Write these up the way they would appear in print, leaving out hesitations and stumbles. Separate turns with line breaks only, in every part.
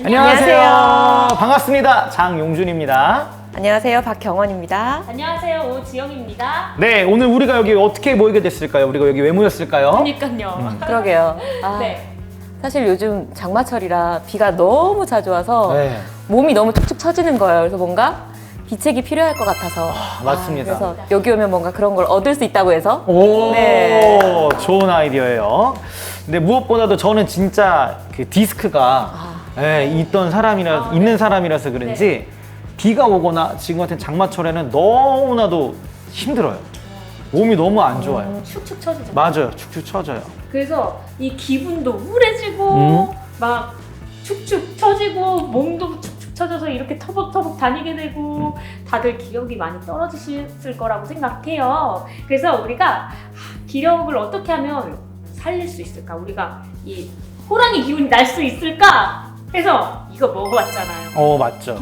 안녕하세요. 반갑습니다. 장용준입니다.
안녕하세요. 박경원입니다.
안녕하세요. 오지영입니다.
네, 오늘 우리가 여기 어떻게 모이게 됐을까요? 우리가 여기 왜 모였을까요?
그러니까요.
그러게요.
네.
사실 요즘 장마철이라 비가 너무 자주 와서
네.
몸이 너무 축축 처지는 거예요. 그래서 뭔가 비책이 필요할 것 같아서.
맞습니다.
그래서 여기 오면 뭔가 그런 걸 얻을 수 있다고 해서.
오,
네.
좋은 아이디어예요. 근데 무엇보다도 저는 진짜 그 디스크가 있던 사람이라, 있는 사람이라서 그런지 비가 오거나 지금 같은 장마철에는 너무나도 힘들어요. 몸이 너무 안 좋아요.
축축 처지죠.
맞아요. 축축 처져요.
그래서 이 기분도 우울해지고 막 축축 처지고 몸도 축축 처져서 이렇게 터벅터벅 다니게 되고 다들 기력이 많이 떨어지실 거라고 생각해요. 그래서 우리가 기력을 어떻게 하면 살릴 수 있을까? 우리가 이 호랑이 기운이 날 수 있을까? 해서 이거 먹어봤잖아요.
맞죠.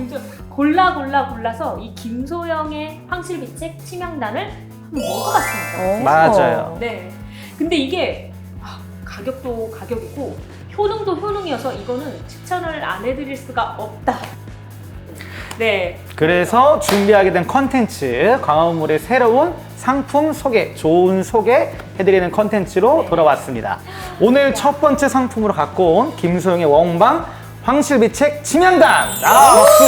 골라서 이 김소영의 황실비책 치명단을 한번 먹어봤습니다.
맞아요.
네. 근데 이게 가격도 가격이고 효능도 효능이어서 이거는 추천을 안 해드릴 수가 없다. 네.
그래서 준비하게 된 컨텐츠, 광화문물의 새로운 상품 소개, 좋은 소개 해드리는 컨텐츠로 돌아왔습니다. 오늘 첫 번째 상품으로 갖고 온 김소영의 원방 황실비책 침향단. 박수!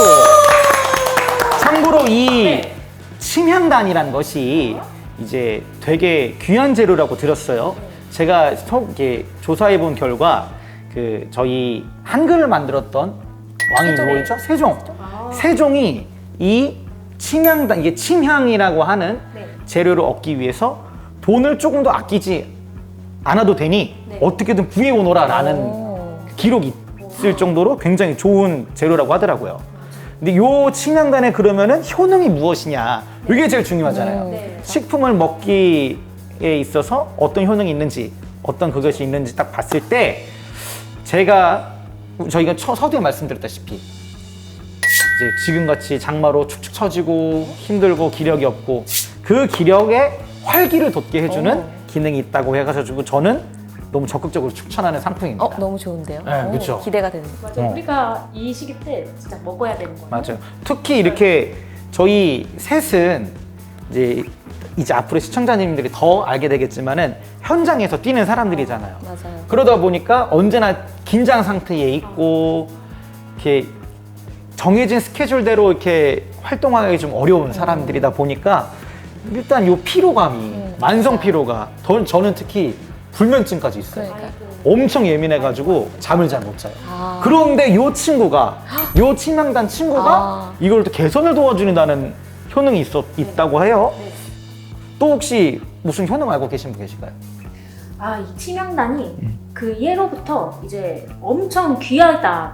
참고로 이 침향단이라는 것이 이제 되게 귀한 재료라고 들었어요. 제가 이렇게 조사해 본 결과 그 저희 한글을 만들었던 왕이 누구였죠? 세종. 세종이 이 침향단, 이게 침향이라고 하는 재료를 얻기 위해서 돈을 조금 더 아끼지 않아도 되니 어떻게든 구해오너라 라는 기록이 있을 정도로 굉장히 좋은 재료라고 하더라고요. 근데 요 침향단에 그러면은 효능이 무엇이냐, 이게 제일 중요하잖아요. 식품을 먹기에 있어서 어떤 효능이 있는지, 어떤 그것이 있는지 딱 봤을 때 저희가 서두에 말씀드렸다시피 이제 지금같이 장마로 축축 처지고 힘들고 기력이 없고 그 기력에 활기를 돋게 해주는 기능이 있다고 해가지고 저는 너무 적극적으로 추천하는 상품입니다.
너무 좋은데요?
네, 그쵸.
기대가 되는.
맞아요. 우리가 이 시기 때 진짜 먹어야 되는 거예요.
맞아요. 특히 이렇게 저희 셋은 이제 앞으로 시청자님들이 더 알게 되겠지만은 현장에서 뛰는 사람들이잖아요.
맞아요.
그러다 보니까 언제나 긴장 상태에 있고 이렇게 정해진 스케줄대로 이렇게 활동하기 좀 어려운 사람들이다 보니까 일단 요 피로감이 만성 피로가 저는 특히 불면증까지 있어요.
그러니까.
엄청 예민해가지고 잠을 잘 못 자요. 그런데 요 침향단 친구가 이걸 또 개선을 도와주는다는 효능이 있다고 해요. 또 혹시 무슨 효능 알고 계신 분 계실까요?
이 침향단이 그 예로부터 이제 엄청 귀하다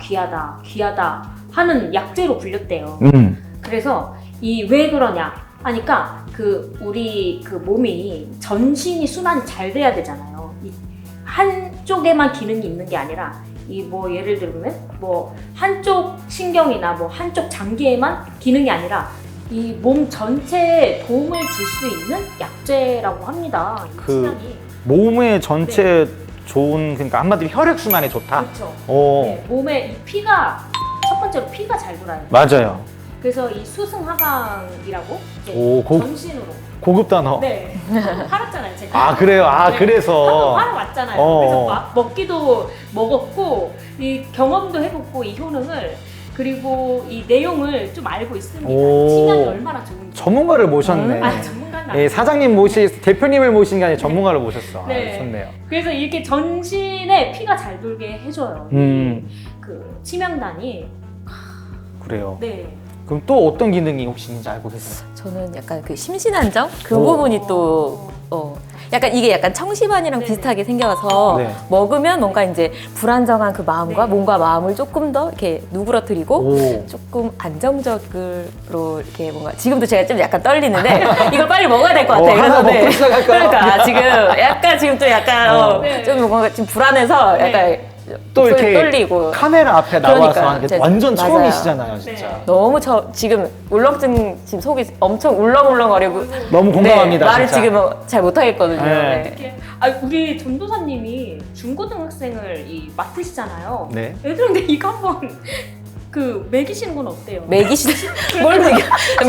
하는 약재로 불렸대요. 그래서 이 왜 그러냐 하니까 우리 몸이 전신이 순환이 잘 돼야 되잖아요. 이 한쪽에만 기능이 있는 게 아니라 예를 들면 한쪽 신경이나 한쪽 장기에만 기능이 아니라 이 몸 전체에 도움을 줄 수 있는 약재라고 합니다. 이 침향이.
몸의 전체 좋은, 그러니까 한마디로 혈액순환에 좋다?
그렇죠.
네,
몸에 이 피가 첫 번째로 피가 잘 돌아요.
맞아요.
그래서 이 수승하강이라고 전신으로.
고급 단어.
네. 팔았잖아요, 제가.
그래요?
네.
그래서.
팔아왔잖아요. 그래서 먹기도 먹었고, 이 경험도 해보고, 이 효능을, 그리고 이 내용을 좀 알고 있습니다. 침향이 얼마나 좋은지.
전문가를 모셨네.
전문가는 아니에요.
사장님 대표님을 모신 게 아니라 전문가를 모셨어.
네.
좋네요.
그래서 이렇게 전신에 피가 잘 돌게 해줘요. 그 침향단이.
그래요.
네.
그럼 또 어떤 기능이 혹시 있는지 알고 계세요?
저는 약간 그 심신안정? 그 부분이 또, 약간 이게 약간 청심환이랑 비슷하게 생겨서 먹으면 뭔가 이제 불안정한 그 마음과 몸과 마음을 조금 더 이렇게 누그러뜨리고 조금 안정적으로 이렇게 뭔가 지금도 제가 좀 약간 떨리는데 이걸 빨리 먹어야 될 것 같아요.
하나 먹고 시작할까요?
그러니까 지금 좀 약간 좀 뭔가 좀 불안해서 약간
또
목소리
이렇게
떨리고.
카메라 앞에 나와서
그러니까요.
하는 게
제-
완전
맞아요.
처음이시잖아요, 진짜.
네.
너무 지금 울렁증 지금 속이 엄청 울렁울렁거리고
너무 공감합니다,
네, 말을
진짜.
지금 잘 못하겠거든요.
네.
네.
이렇게 우리 전도사님이 중고등학생을 맡으시잖아요.
네.
애들한테 이거 한번 매기시는 건 어때요?
뭘 먹여?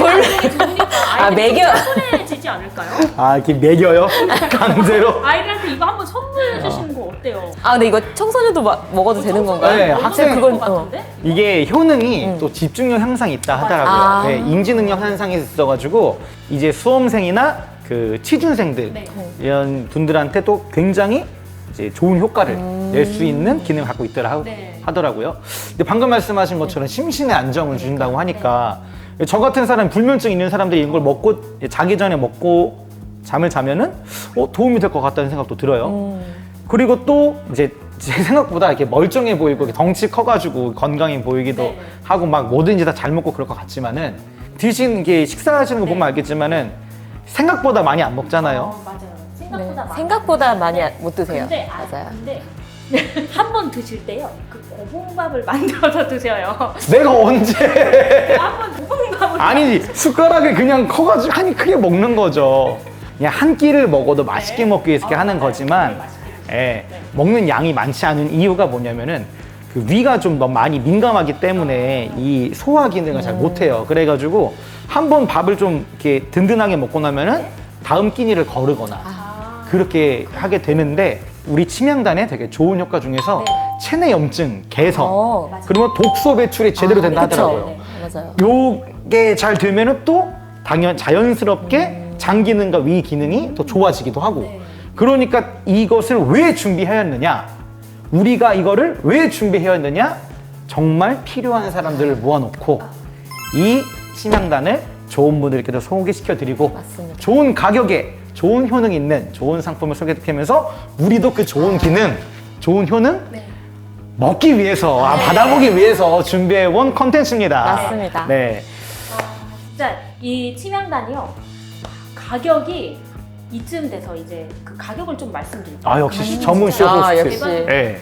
아, 먹여.
편해지지 않을까요?
아, 이렇게 매겨요? 강제로?
아이들한테 이거 한번 선물해 주시는 거 어때요?
아, 근데 이거 청소년도 먹어도 되는 건가요?
네, 학생
그건
같은데?
이게 효능이 또 집중력 향상이 있다 하더라고요.
아.
네, 인지능력 향상이 있어가지고 이제 수험생이나 그 취준생들
네.
이런 분들한테 또 굉장히 이제 좋은 효과를 낼 수 있는 기능을 갖고 있더라
네.
하더라고요. 근데 방금 말씀하신 것처럼 심신의 안정을 주신다고 하니까 저 같은 사람 불면증 있는 사람들이 이런 걸 먹고 자기 전에 먹고 잠을 자면은 도움이 될 것 같다는 생각도 들어요. 그리고 또 이제 제 생각보다 이렇게 멀쩡해 보이고 덩치 커가지고 건강해 보이기도
네.
하고 막 뭐든지 다 잘 먹고 그럴 것 같지만은 드신 게 식사하시는 거 보면 알겠지만은 생각보다 많이 안 먹잖아요.
맞아요.
네,
생각보다 많아요.
생각보다 많이 못 드세요.
근데,
맞아요.
근데 한 번 드실 때요. 고봉밥을 만들어서 드세요.
내가 언제?
한번 고봉밥을
아니지 숟가락을 그냥 커가지고 한 크게 먹는 거죠. 그냥 한 끼를 먹어도 맛있게 먹기 위해서 이렇게 하는 거지만 예, 먹는 양이 많지 않은 이유가 뭐냐면은 그 위가 좀 너무 많이 민감하기 때문에 이 소화 기능을 잘 못해요. 그래가지고 한 번 밥을 좀 이렇게 든든하게 먹고 나면은 다음 끼니를 거르거나 그렇게 하게 되는데 우리 침양단에 되게 좋은 효과 중에서 체내 염증 개선 그러면 독소 배출이 제대로 된다
그쵸.
하더라고요.
네, 맞아요.
요게 잘 되면은 또 자연스럽게 장 기능과 위 기능이 더 좋아지기도 하고 그러니까 이것을 왜 준비하였느냐 우리가 이거를 왜 준비하였느냐 정말 필요한 사람들을 모아놓고 이 침양단을 좋은 분들께 소개시켜 드리고
맞습니다.
좋은 가격에 좋은 효능 있는 좋은 상품을 소개시키면서 우리도 그 좋은 기능 좋은 효능 먹기 위해서 받아보기 위해서 준비해온 컨텐츠입니다.
맞습니다.
네.
진짜 이 침양단이요. 가격이 이쯤 돼서 이제 그 가격을 좀 말씀드릴게요.
아 역시 전문 쇼
아,
호스트.
역시.
네.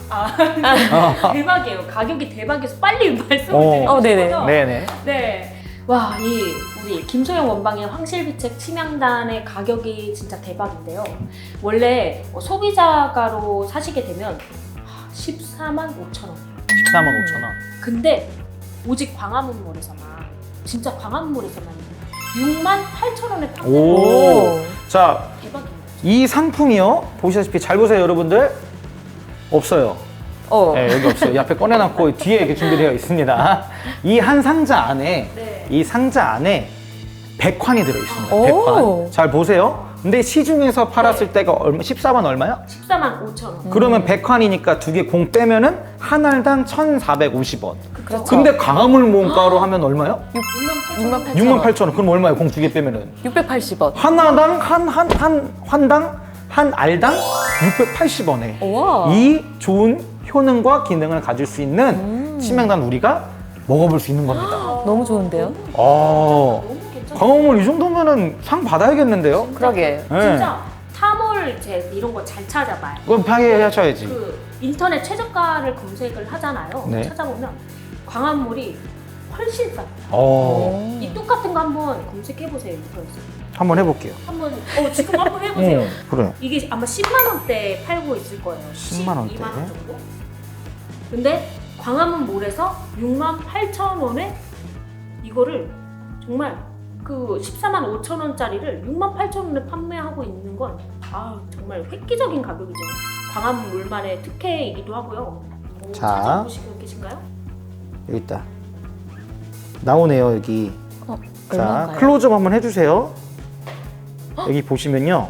대박이에요. 가격이 대박이어서 빨리 말씀을
어.
드리고
네네.
싶어서
네네.
네. 와, 우리 김소영 원방의 황실비책 침양단의 가격이 진짜 대박인데요. 원래 소비자가로 사시게 되면 14만 5천 원.
14만 5천 원.
근데 오직 광화문몰에서만 진짜 광화문몰에서만 6만 8천 원에 판매를
오. 자,
대박입니다.
이 상품이요. 보시다시피 잘 보세요, 여러분들. 없어요. 네, 여기 없어요. 이 앞에 꺼내놨고 뒤에 이렇게 준비되어 있습니다. 이 한 상자 안에
네.
이 상자 안에 100환이 들어 있습니다.
오.
100환. 잘 보세요. 근데 시중에서 팔았을 때가 얼마? 14만 얼마요?
14만 5천 원.
그러면 100환이니까 두 개 공 빼면은 한 알당 1,450원.
그렇죠.
근데 광화문 모음가로 하면 얼마요?
6만 8천
6만
원.
8천 원. 그럼 얼마예요? 공 두 개 빼면은.
680원.
하나당 한 환당 한 알당 680원에
우와.
이 좋은 효능과 기능을 가질 수 있는 침양단 우리가 먹어볼 수 있는 겁니다.
너무 좋은데요?
어,
너무 괜찮아요.
광화문 이 정도면은 상 받아야겠는데요?
그러게.
네.
진짜 타몰 이런 거 잘 찾아봐요.
그럼 파괴하셔야지.
그 인터넷 최저가를 검색을 하잖아요.
네.
찾아보면 광화문몰이 훨씬 싸요.
어,
이 똑같은 거 한번 검색해 보세요. 인터넷에.
한번 해볼게요.
한번 지금 한번 해보세요.
그래.
이게 아마 10만 원대 팔고 있을 거예요.
10만 원대?
12만 원 정도. 근데 광화문몰에서 6만 8천 원에 이거를 정말 그 14만 5천 원짜리를 6만 8천 원에 판매하고 있는 건 정말 획기적인 가격이죠. 광화문몰만의 특혜이기도 하고요.
자.
찾아보시고 계신가요?
여기 있다. 나오네요, 여기. 자,
얼마인가요?
클로즈업 한번 해주세요. 여기 보시면요.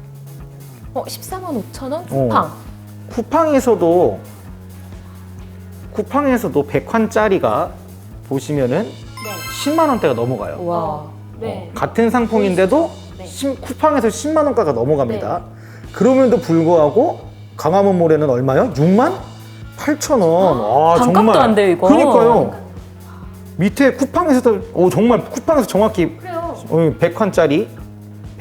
14만 5천 원? 쿠팡.
쿠팡에서도 100환짜리가 보시면은
네.
10만 원대가 넘어가요.
와.
네.
같은 상품인데도
네.
쿠팡에서 10만 원가가 넘어갑니다. 그럼에도 불구하고 광화문몰에는 얼마요? 6만 8천 원.
반값도 안 돼요, 이거.
그러니까요. 밑에 쿠팡에서도 정말 쿠팡에서 정확히
그래요.
100환짜리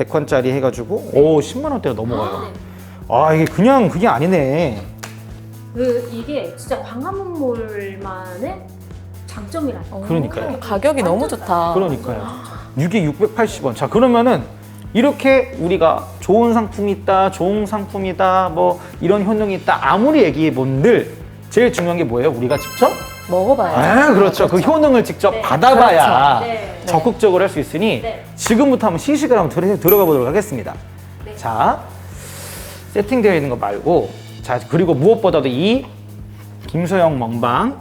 해가지고 10만 원대가 넘어가요.
네.
이게 그냥 그게 아니네.
이게 진짜 광화문몰만의 장점이라서.
그러니까요.
가격이 너무 좋다.
그러니까요. 이게 680원. 자, 그러면은 이렇게 우리가 좋은 상품이 있다, 좋은 상품이다, 뭐 이런 효능이 있다 아무리 얘기해 본들 제일 중요한 게 뭐예요? 우리가 직접
먹어봐야죠.
그렇죠. 그 효능을 직접
네.
받아봐야
그렇죠. 네.
적극적으로 할 수 있으니
네.
지금부터 한번 시식을 한번 들어가 보도록 하겠습니다.
네.
자, 세팅되어 있는 거 말고, 자, 그리고 무엇보다도 이 김소영 먹방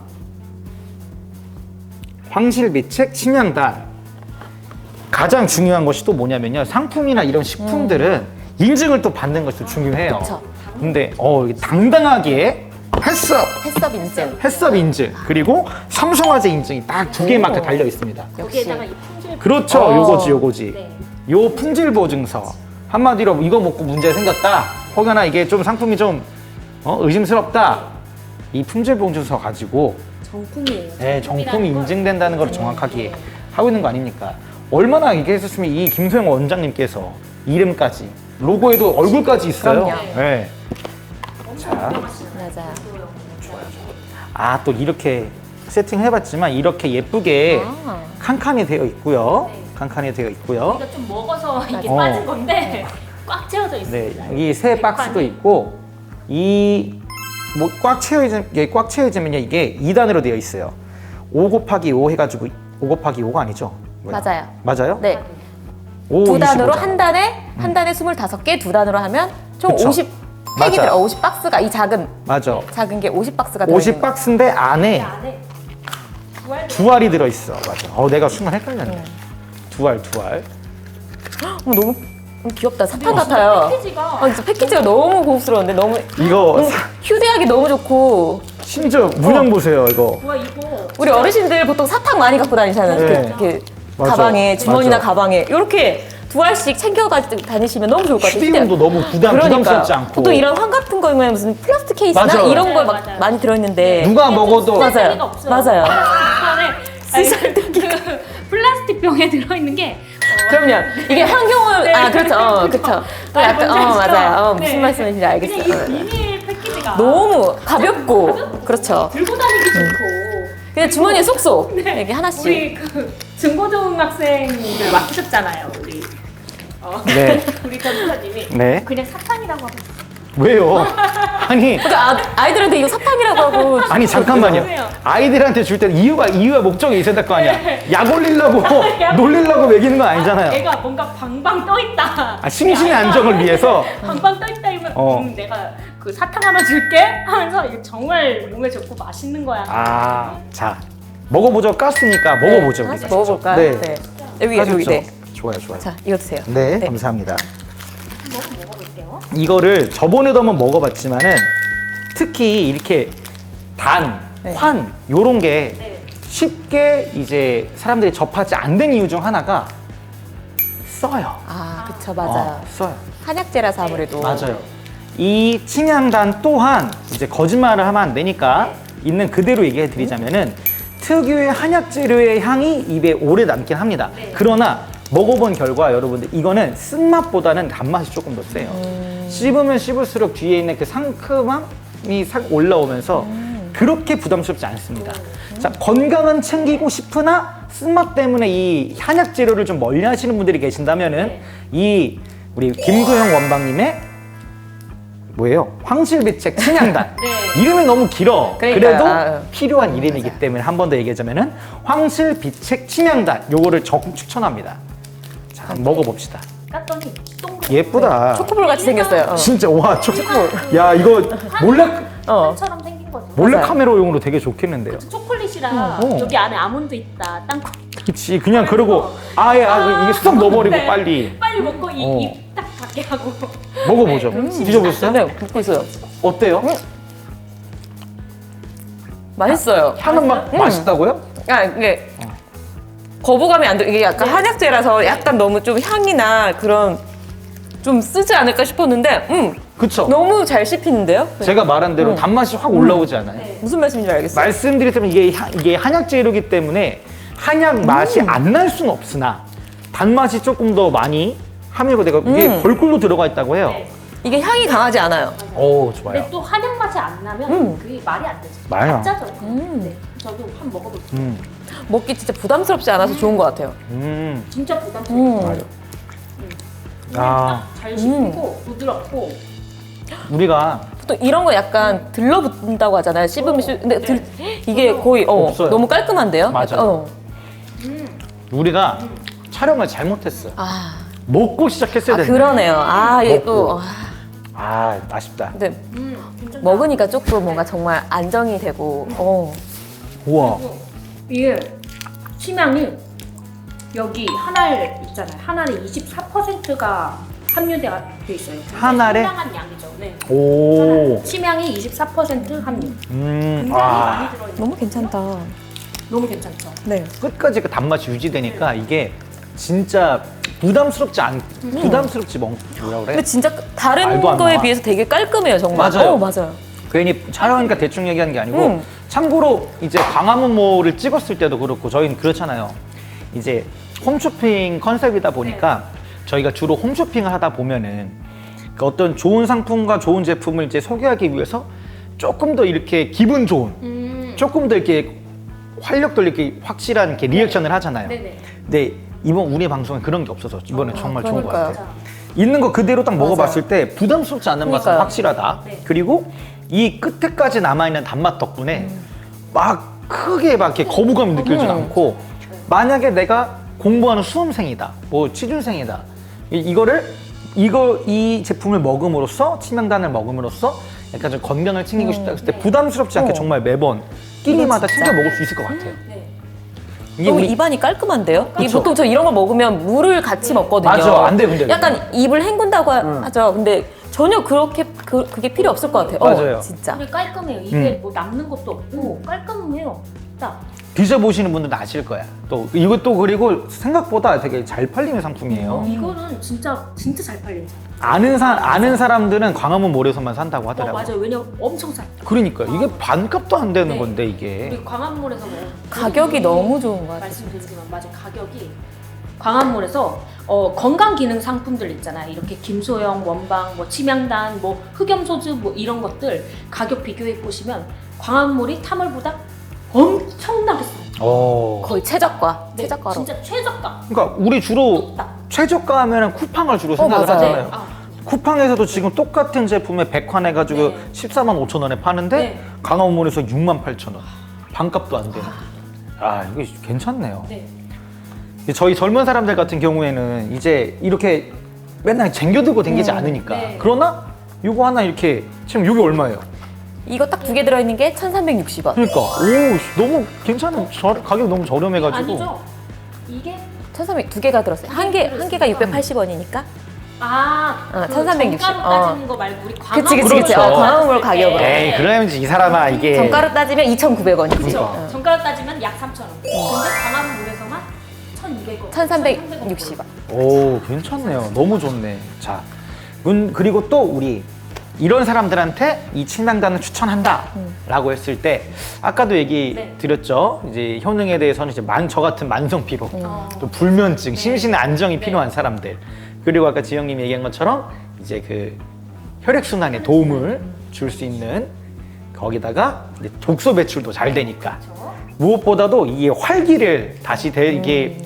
황실비책 침향단 가장 중요한 것이 또 뭐냐면요. 상품이나 이런 식품들은 인증을 또 받는 것이 또 중요해요.
그쵸.
근데 이게 당당하게
햇섭 인증.
햇섭 인증 그리고 삼성화재 인증이 딱 두 개 마크 달려 있습니다.
거기에다가 이 품질.
그렇죠. 요거지.
네.
요 품질 보증서. 한마디로 이거 먹고 문제 생겼다. 혹여나 이게 좀 상품이 좀 의심스럽다. 이 품질 보증서 가지고
정품이에요.
네, 정품이 인증된다는 걸 정확하게
네.
하고 있는 거 아닙니까? 얼마나 이게 했었으면 이 김소영 원장님께서 이름까지 로고에도 얼굴까지 있어요.
그럼요.
네. 자,
맞아요.
아, 또 이렇게 세팅해봤지만 이렇게 예쁘게
아.
칸칸이 되어 있고요. 칸칸이 되어 있고요.
이거 좀 먹어서 이게
어.
빠진 건데 꽉 채워져
네,
있습니다.
여기 세 박스도 있고 이 뭐 꽉 채워지면요 이게 2단으로 되어 있어요. 5 곱하기 5 해가지고 5 곱하기 5가 아니죠? 뭐야?
맞아요.
맞아요?
네.
5,
두 단으로
25 잖아.
한 단에 25개, 두 단으로 하면 총
그쵸.
50팩이
맞아요.
들어. 50박스가 이
맞아.
작은 게 50박스가 들어.
50박스인데 안에
이 안에 두알
두 알이 들어있어. 맞아. 내가 순간 헷갈렸네. 두 알.
너무 귀엽다. 사탕 같아요.
패키지가
진짜 패키지가 너무 고급스러운데 너무
이거
휴대하기 너무 좋고.
심지어 문양 보세요, 이거.
와 이거
우리 어르신들 보통 사탕 많이 갖고 다니잖아요.
네.
이렇게
맞아.
가방에 주머니나
맞아.
가방에 이렇게 두 알씩 챙겨가지고 다니시면 너무 좋을 것 같아요.
휴대용도 너무 부담스럽지 않고.
보통 이런 황 같은 거면 무슨 플라스틱 케이스나
맞아.
이런 걸
맞아요,
막
맞아요.
많이 들어있는데
누가 먹어도
맞아요. 맞아요.
그 플라스틱 병에 들어있는 게
그럼요. 이게 환경을
네,
그렇죠. 그렇죠. 또 약간
뭔지 아시죠?
맞아요. 무슨
네.
말씀인지
그냥
알겠어요.
이 비닐 패키지가
너무 가볍고 그렇죠.
들고 다니기 좋고
그냥 주머니에 쏙쏙
네.
이렇게 하나씩.
우리 그 중고등학생들 맡으셨잖아요 우리
네.
우리 전도사님이
네.
그냥 사탕이라고 하고
왜요? 아니,
그러니까 아이들한테 이거 사탕이라고 하고.
아니 잠깐만요.
그래요.
아이들한테 줄 때는 이유와 목적이 있어야 될 거 아니야. 약 올리려고 놀리려고 먹이는 건 아니잖아요.
애가 뭔가 방방 떠 있다.
아, 심신의 안정을 위해서.
방방 떠 있다 이러면 내가 그 사탕 하나 줄게 하면서 이게 정말 몸에 좋고 맛있는 거야.
아, 자 먹어보죠. 깠으니까 먹어보죠.
하나씩
우리가.
먹어볼까요?
네.
여기
까셨죠?
네.
좋아요.
자, 이거 드세요.
네, 감사합니다.
한번 먹어볼게요.
이거를 저번에도 한번 먹어봤지만은 특히 이렇게 단,
네.
환 요런 게
네.
쉽게 이제 사람들이 접하지 않는 이유 중 하나가 써요.
그쵸, 맞아요.
써요.
한약재라서 아무래도.
맞아요. 이 침향단 또한 이제 거짓말을 하면 안 되니까 있는 그대로 얘기해 드리자면은 특유의 한약 재료의 향이 입에 오래 남긴 합니다.
네.
그러나 먹어본 결과 여러분들 이거는 쓴맛보다는 단맛이 조금 더 세요. 씹으면 씹을수록 뒤에 있는 그 상큼함이 싹 올라오면서 그렇게 부담스럽지 않습니다. 자, 건강은 챙기고 싶으나 쓴맛 때문에 이 한약 재료를 좀 멀리 하시는 분들이 계신다면은 이 우리 김소영 원방님의 뭐예요? 황실비책 침향단.
네.
이름이 너무 길어.
그러니까요.
그래도 필요한 이름이기 때문에 한 번 더 얘기하자면은 황실비책 침향단. 요거를 적극 추천합니다. 자, 한번 먹어봅시다.
깠더니 동그랗게
예쁘다.
초코볼 같이 생겼어요.
진짜 와 초콜. 야 이거
어.
처럼 생긴 거죠.
몰래
맞아요.
카메라용으로 되게 좋겠는데요.
초콜릿이라
어.
여기 안에 아몬드 있다, 땅콩
그렇지. 그냥 그러고 아예 이게 쏙 넣어버리고
네.
빨리
빨리 먹고
어.
입 딱 닫게 하고.
먹어보죠.
네,
드셔보셨어요?
네, 먹고 있어요.
어때요?
맛있어요.
향은 맛있다고요?
이게 거부감이 안 들어. 이게 약간 한약재라서 약간 너무 좀 향이나 그런 좀 쓰지 않을까 싶었는데,
그쵸?
너무 잘 씹히는데요?
제가 말한 대로 단맛이 확 올라오지 않아요?
네.
무슨 말씀인지 알겠어요.
말씀드리자면 이게 한약 재료이기 때문에 한약 맛이 안 날 수는 없으나 단맛이 조금 더 많이 함유가 되고 이게 벌꿀로 들어가 있다고 해요.
네.
이게 향이 강하지 않아요.
오, 좋아요.
근데 또 한약 맛이 안 나면 그게 말이 안 되죠.
맞아요.
가짜죠. 네. 저도 한번 먹어볼게요.
먹기 진짜 부담스럽지 않아서 좋은 것 같아요.
진짜 부담스러워요.
맞아. 아,
잘 씹히고 부드럽고.
우리가
또 이런 거 약간 들러붙는다고 하잖아요. 씹으면 근데 이게 거의
없어요.
너무 깔끔한데요?
맞아요. 우리가 촬영을 잘못했어요.
아,
먹고 시작했어야 되는데.
그러네요. 아, 이게 또
먹고. 아, 아쉽다.
근데
괜찮다.
먹으니까 조금 뭔가 정말 안정이 되고
우와.
이게 치명이 여기 한 알 있잖아요. 한 알에 24%가 함유되어 있어요.
한 알에?
상당한 양이죠. 네.
오.
치명이 24% 함유. 굉장히
아.
많이 들어있는.
너무 괜찮다.
너무 괜찮죠.
네.
끝까지 그 단맛이 유지되니까 이게 진짜 부담스럽지 뭐라
근데
그래?
진짜 다른
말도 안
거에
나와.
비해서 되게 깔끔해요, 정말.
맞아요.
맞아요.
괜히 촬영하니까 대충 얘기하는 게 아니고 참고로 이제 광화문몰을 찍었을 때도 그렇고 저희는 그렇잖아요. 이제 홈쇼핑 컨셉이다 보니까 저희가 주로 홈쇼핑을 하다 보면은 그 어떤 좋은 상품과 좋은 제품을 이제 소개하기 위해서 조금 더 이렇게 기분 좋은 조금 더 이렇게 활력도 이렇게 확실한 이렇게 리액션을 하잖아요.
네네.
근데 이번 우리 방송에 그런 게 없어서 이번에 정말 좋은 것
그러니까요.
같아요. 있는 거 그대로 딱 먹어봤을 때 부담스럽지 않은 맛은
그러니까요.
확실하다.
네.
그리고 이 끝에까지 남아있는 단맛 덕분에 막 크게 막 이렇게 거부감이 느껴지지 않고 만약에 내가 공부하는 수험생이다, 뭐 취준생이다, 이 제품을 먹음으로써 치명단을 먹음으로써 약간 좀 건강을 챙기고 싶다 했을 때 부담스럽지 않게 정말 매번 끼니마다
진짜.
챙겨 먹을 수 있을 것 같아요.
네.
이게
너무
우리
입안이 깔끔한데요? 이
그쵸.
보통 저 이런 거 먹으면 물을 같이 먹거든요.
맞아, 안 돼, 근데.
약간 입을 헹군다고 하죠. 근데 전혀 그렇게 그게 필요 없을 것 같아요.
맞아요.
진짜.
근데 깔끔해요. 이게 뭐 남는 것도 없고 깔끔해요. 딱.
드셔보시는 분들도 아실 거야. 또 이것도 그리고 생각보다 되게 잘 팔리는 상품이에요.
이거는 진짜 잘 팔리죠.
아는 사람들은 광화문 몰에서만 산다고 하더라고요.
맞아요. 왜냐면 엄청 싸요.
그러니까 이게 반값도 안 되는
네.
건데 이게.
우리 광화문에서 뭐
가격이 너무 좋은 것 같아요.
말씀드리지만 맞아 가격이 광화문에서 건강 기능 상품들 있잖아요. 이렇게 김소영, 원방, 뭐 치명단, 뭐 흑염소주 뭐 이런 것들 가격 비교해 보시면 광화문몰이 타몰보다 엄청나게 싸요.
거의 최저가.
네,
최저가로.
진짜 최저가.
그러니까 우리 주로
딱.
최저가 하면은 쿠팡을 주로 생각을
맞아요.
하잖아요.
아,
쿠팡에서도 지금 똑같은 제품에 100환 해가지고
네.
14만 5천 원에 파는데
네.
광화문몰에서 6만 8천 원. 반값도 안 되는. 아, 이거 괜찮네요.
네.
저희 젊은 사람들 같은 경우에는 이제 이렇게 맨날 쟁겨들고 다니지 않으니까.
네.
그러나 이거 하나 이렇게 지금 이게 얼마예요?
이거 딱 두 개 들어있는 게 1,360원.
그러니까 너무 괜찮은 가격 너무 저렴해가지고.
아니죠. 이게
1,300 두 개가 들었어요. 한 개가 680원이니까.
그
1360.
정가로 따지는 거 말고 우리 광화문
그치.
그렇죠.
광화문몰 가격으로.
에이 그래야지 이 사람아 이게.
정가로 따지면 2,900원이지.
그러니까.
정가로 따지면 약 3,000원. 근데 광화문몰에서만 1,200원.
1,360원.
오 괜찮네요. 너무 좋네. 자 그리고 또 우리 이런 사람들한테 이 침낭단을 추천한다라고 했을 때 아까도 얘기
네.
드렸죠. 이제 효능에 대해서는 이제 저 같은 만성 피로, 또 불면증, 심신의 안정이 필요한 사람들. 그리고 아까 지영님이 얘기한 것처럼 이제 그 혈액 순환에 도움을 줄 수 있는 거기다가 이제 독소 배출도 잘 되니까 무엇보다도 이 활기를 다시 이게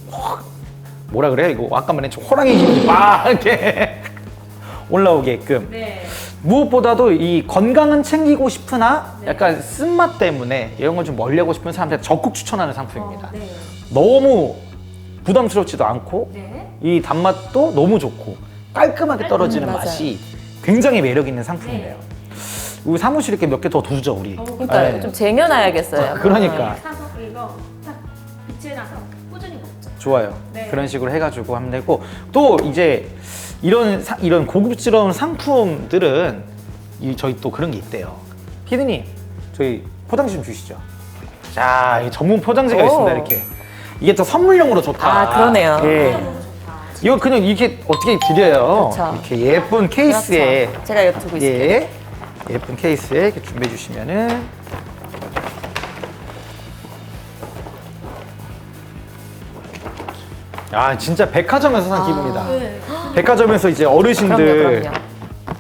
뭐라 그래요? 이거 아까 말했죠. 호랑이 힘이 막 이렇게 올라오게끔.
네.
무엇보다도 이 건강은 챙기고 싶으나 약간 쓴맛 때문에 이런 걸 좀 멀리하고 싶은 사람들한테 적극 추천하는 상품입니다.
네.
너무 부담스럽지도 않고
네.
이 단맛도 너무 좋고 깔끔하게 떨어지는
맞아요.
맛이 굉장히 매력 있는 상품이에요. 우리 사무실 이렇게 몇 개 더 두죠 우리.
그러니까
네.
좀 쟁여놔야겠어요.
그러니까
사서 이거 딱 빛에 나서 꾸준히 먹죠.
좋아요.
네.
그런 식으로 해가지고 하면 되고 또 이제 이런 고급스러운 상품들은 저희 또 그런 게 있대요. 피디님 저희 포장지 좀 주시죠. 자, 이 전문 포장지가
오.
있습니다. 이렇게 이게 또 선물용으로 좋다.
아, 그러네요.
예.
너무 좋다.
이거 그냥 이렇게 어떻게 드려요?
그렇죠.
이렇게 예쁜 케이스에
그렇죠. 제가 이거 두고 있을게요.
예, 예쁜 케이스에 이렇게 준비해 주시면은 아 진짜 백화점에서 산 기분이다.
네.
백화점에서 이제 어르신들
그럼요.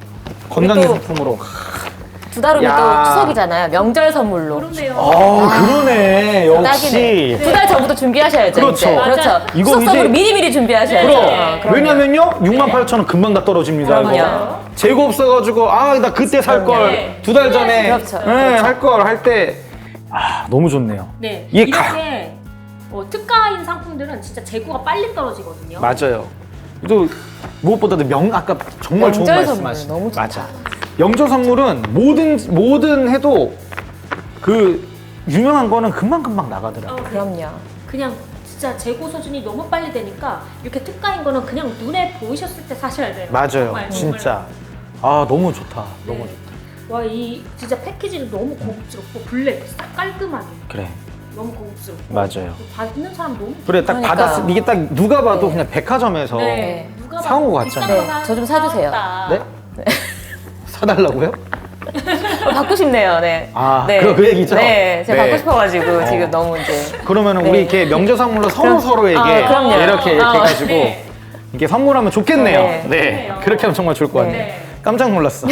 건강기
또
상품으로.
두 달 후면
야.
또 추석이잖아요. 명절 선물로.
그렇네요.
그러네. 역시.
딱이네. 두 달 전부터 준비하셔야죠.
그렇죠.
이제. 그렇죠.
맞아.
이거
추석 선물로
이제-
미리미리 준비하셔야죠.
네.
그럼요.
왜냐면요, 68,000원 금방 다 떨어집니다.
그럼요.
이거. 재고 없어가지고, 나 그때 살 걸.
네.
두 달 전에.
그렇죠.
네,
그렇죠.
할 걸 할 때. 너무 좋네요.
네.
이게
이렇게 특가인 상품들은 진짜 재고가 빨리 떨어지거든요.
맞아요. 또 무엇보다도 아까 정말 좋은
명절
말씀하신.
선물 너무 좋다.
맞아. 명절 선물은 뭐든 해도 그 유명한 거는 금방 나가더라고요.
그럼요.
그냥 진짜 재고 소진이 너무 빨리 되니까 이렇게 특가인 거는 그냥 눈에 보이셨을 때 사셔야 돼요.
맞아요.
정말,
진짜. 너무 좋다.
네.
너무 좋다.
와, 이 진짜 패키지는 너무 고급스럽고 블랙 싹 깔끔하게
그래.
너무 고급스럽고
맞아요.
받는 사람 너무
그래, 딱
그러니까.
받았을 이게 딱 누가 봐도
네.
그냥 백화점에서
네. 누가
사온 거
봐도 비싼
같잖아요.
거
네, 저좀 사주세요.
사왔다.
네? 사달라고요?
받고 싶네요. 네. 네.
그 얘기죠?
네, 제가
네.
받고 싶어가지고 지금 너무 이제.
그러면
네.
우리 이렇게 명절 선물로 서로에게
그럼요.
이렇게 해가지고
네.
이렇게 선물하면 좋겠네요.
네.
네.
좋네요.
그렇게 하면 정말 좋을 것 같네요.
네.
깜짝 놀랐어.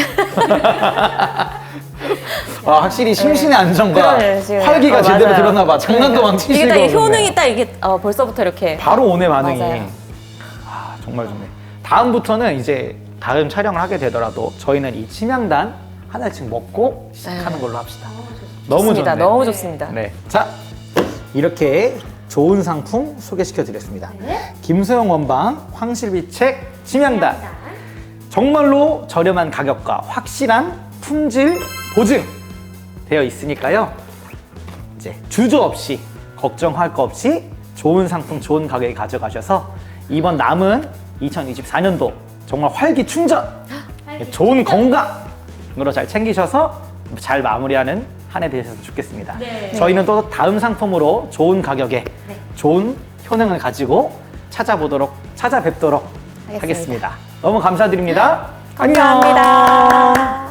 확실히 심신의 안정과
그러네, 지금.
활기가 제대로
맞아요.
드러나 봐. 장난도 막 치시고.
이게 딱 이 효능이
그러네.
딱 이게 벌써부터 이렇게.
바로 오네 반응이.
맞아요.
정말 좋네. 다음부터는 이제 다음 촬영을 하게 되더라도 저희는 이 침향단 하나씩 먹고 시작하는 걸로 합시다. 너무
좋습니다.
좋네.
너무 좋습니다.
네. 자, 이렇게 좋은 상품 소개시켜 드렸습니다.
네.
김소영 원방 황실비책 침향단. 정말로 저렴한 가격과 확실한 품질 보증 되어 있으니까요. 이제 주저없이 걱정할 거 없이 좋은 상품 좋은 가격에 가져가셔서 이번 남은 2024년도 정말 활기 충전, 좋은 건강으로 잘 챙기셔서 잘 마무리하는 한 해 되셨으면 좋겠습니다.
네.
저희는 또 다음 상품으로 좋은 가격에
네.
좋은 효능을 가지고 찾아뵙도록
하겠습니다.
하겠습니다. 너무 감사드립니다. 안녕.
감사합니다.